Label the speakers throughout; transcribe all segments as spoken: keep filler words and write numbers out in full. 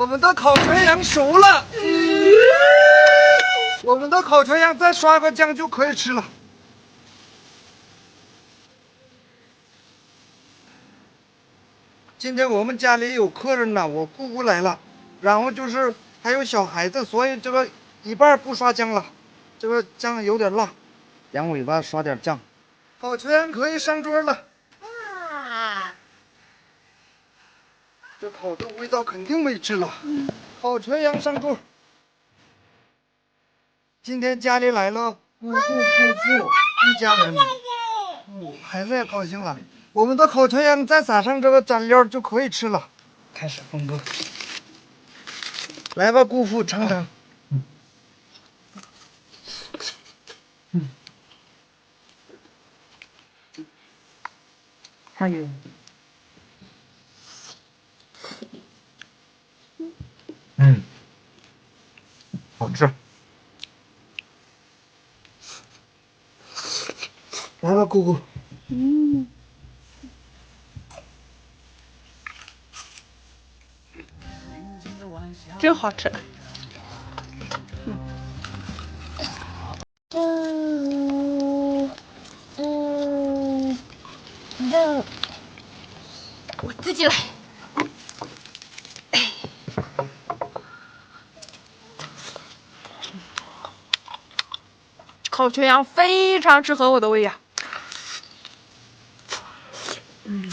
Speaker 1: 我们的烤全羊熟了，我们的烤全羊再刷个酱就可以吃了。今天我们家里有客人呢，我姑姑来了，然后就是还有小孩子，所以这个一半不刷姜了，这个酱有点辣，羊尾巴刷点酱。烤全羊可以上桌了。啊！这烤的味道肯定没吃了。嗯，烤全羊上桌。今天家里来了姑姑、姑父一家人，嗯，孩子也高兴了。我们的烤全羊再撒上这个蘸料就可以吃了。开始分割。来吧，姑父尝尝。嗯。嗯。还有。嗯。好吃。来吧，姑姑。嗯。
Speaker 2: 真好吃。
Speaker 3: 嗯嗯嗯，我自己来。
Speaker 2: 烤全羊非常适合我的胃呀。嗯。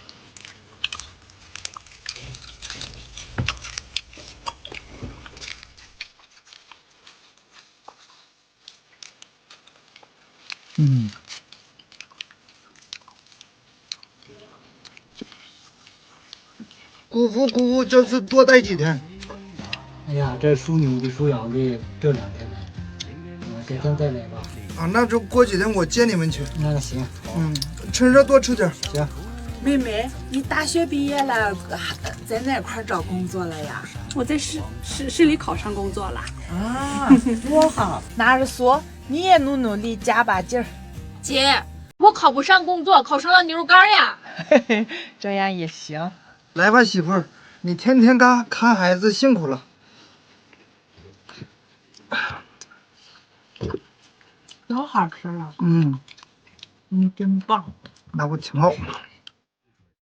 Speaker 1: 嗯。姑父姑父，这次多待几天？
Speaker 4: 哎呀，这属牛的属羊的这两天，嗯，改天再来吧。
Speaker 1: 啊，那就过几天我接你们去。
Speaker 4: 那行。
Speaker 1: 嗯，趁热多吃点。
Speaker 4: 行。
Speaker 5: 妹妹，你大学毕业了，在哪块找工作了呀？
Speaker 2: 我在市市市里考上工作了。
Speaker 5: 啊，多好！拿着书，你也努努力，加把劲儿。
Speaker 3: 姐，我考不上工作，考上了牛肉干呀。
Speaker 5: 嘿嘿，这样也行。
Speaker 1: 来吧，媳妇儿，你天天干看孩子辛苦了。
Speaker 5: 都好吃了。
Speaker 1: 嗯，
Speaker 5: 你真棒。
Speaker 1: 那我挺好。